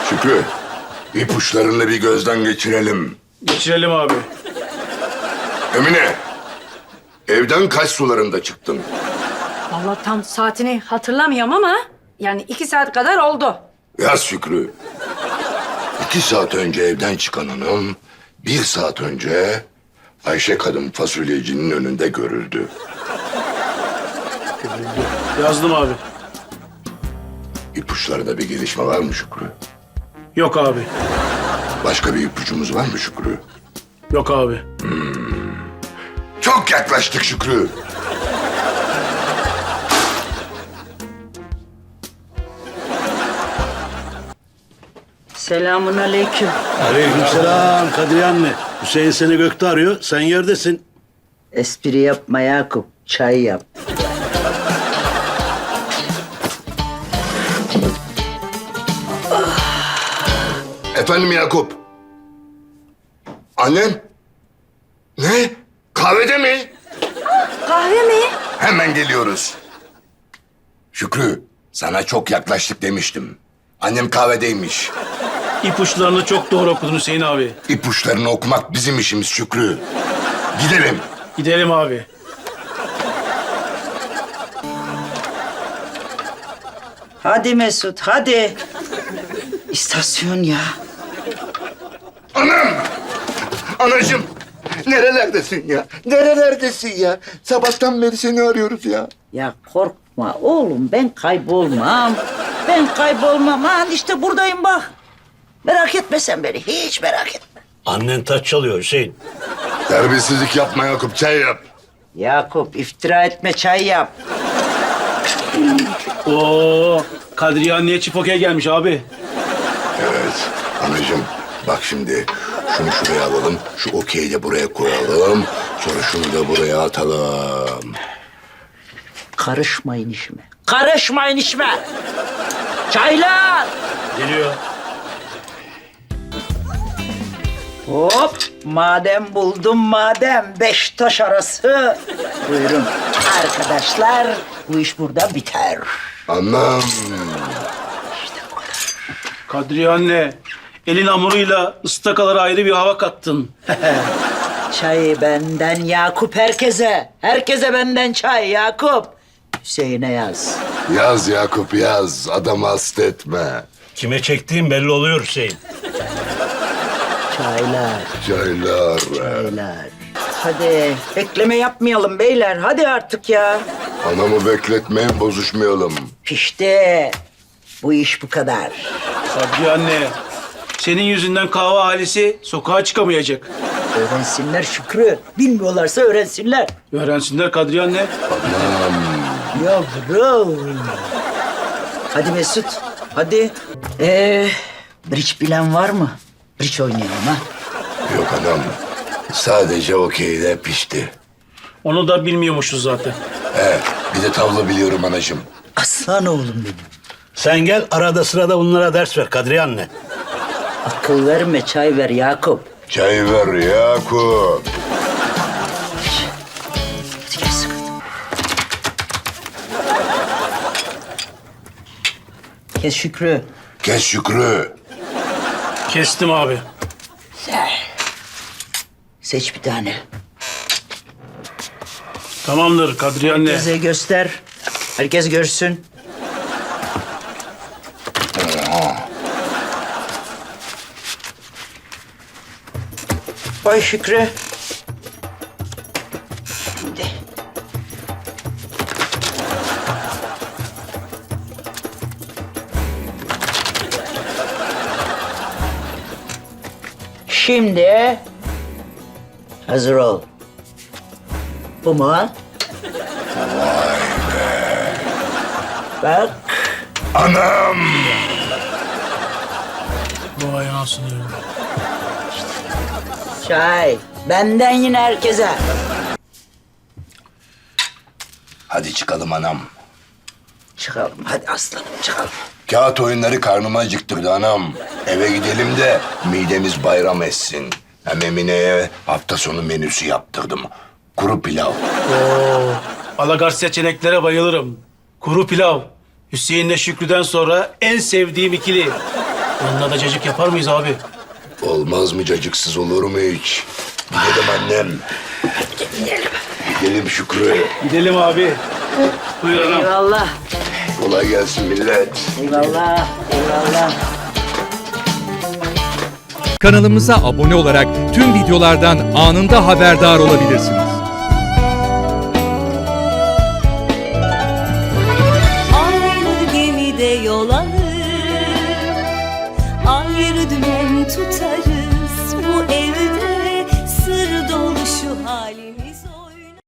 Şükrü, ipuçlarını bir gözden geçirelim. Geçirelim abi. Emine, evden kaç sularında çıktın? Vallahi tam saatini hatırlamıyorum ama yani 2 saat kadar oldu. Yaz Şükrü. 2 saat önce evden çıkan hanım, 1 saat önce Ayşe kadın fasulyecinin önünde görüldü. Yazdım abi. İpuçlarında bir gelişme var mı Şükrü? Yok abi. Başka bir ipucumuz var mı Şükrü? Yok abi. Çok yaklaştık Şükrü. Selamun aleyküm. Aleykümselam Kadriye anne. Hüseyin seni gökte arıyor. Sen yerdesin. Espri yapma Yakup. Çay yap. Efendim Yakup. Annem? Ne? Kahvede mi? Kahve mi? Hemen geliyoruz. Şükrü, sana çok yaklaştık demiştim. Annem kahvedeymiş. İpuçlarını çok doğru okudun Hüseyin abi. İpuçlarını okumak bizim işimiz Şükrü. Gidelim. Gidelim abi. Hadi Mesut hadi. İstasyon ya. Anam! Anacığım! Nerelerdesin ya? Nerelerdesin ya? Sabahtan beri seni arıyoruz ya. Ya korkma oğlum ben kaybolmam. Ben kaybolmam. Ha işte buradayım bak. Merak etme sen beni. Hiç merak etme. Annen taç çalıyor Hüseyin. Terbiyesizlik yapma Yakup, çay yap. Yakup iftira etme çay yap. Oo, Kadriye anneye çift okey gelmiş abi. Evet, anacığım bak şimdi şunu şuraya alalım, şu okeyi de buraya koyalım. Sonra şunu da buraya atalım. Karışmayın işime. Karışmayın işime. Çaylar. Geliyor. Hop, madem buldum madem 5 taş arası. Buyurun arkadaşlar, bu iş burada biter. Anam. Kadriye anne, elin hamuruyla ıstakalara ayrı bir hava kattın. Çay benden Yakup herkese. Herkese benden çay Yakup. Hüseyin'e yaz. Yaz Yakup yaz, adamı hasta etme. Kime çektiğin belli oluyor Hüseyin. Çaylar, Çaylar. çaylar. Hadi bekleme yapmayalım beyler. Hadi artık ya. Anamı bekletmeyin, bozuşmayalım. İşte bu iş bu kadar. Kadriye anne, senin yüzünden kahve ailesi sokağa çıkamayacak. Öğrensinler Şükrü. Bilmiyorlarsa öğrensinler. Öğrensinler Kadriye anne. Yavrum. Hadi Mesut, hadi. Bridge bilen var mı? Bridge oynayalım ha. Yok anam, sadece okeyde pişti. Onu da bilmiyormuşuz zaten. Bir de tavla biliyorum anacığım. Aslan oğlum benim. Sen gel arada sırada bunlara ders ver Kadriye anne. Akıl verme, çay ver Yakup. Çay ver Yakup. Hadi gel sıkı. Kes Şükrü. Kes Şükrü. Kestim abi. Seç bir tane. Tamamdır Kadriye anne. Herkese göster. Herkes görsün. Vay Şükrü. Şimdi. Şimdi hazır ol. Bu mu? Vay be. Bak. Anam. Vay anasını ya. Çay. Benden yine herkese. Hadi çıkalım anam. Çıkalım hadi aslanım çıkalım. Kağıt oyunları karnıma acıktırdı anam. Eve gidelim de midemiz bayram etsin. Hem Emine'ye hafta sonu menüsü yaptırdım. Kuru pilav. Oo, alagart seçeneklere bayılırım. Kuru pilav. Hüseyin'le Şükrü'den sonra en sevdiğim ikili. Yanına da cacık yapar mıyız abi? Olmaz mı cacıksız olur mu hiç? Gidelim annem. Gidelim Şükrü. Gidelim abi. Buyur anam. Eyvallah. Kolay gelsin millet. Eyvallah. Eyvallah. Kanalımıza abone olarak tüm videolardan anında haberdar olabilirsiniz. Aynı gemide yol alır, ayrı dümen tutarız. Bu evde sır dolu şu halimiz.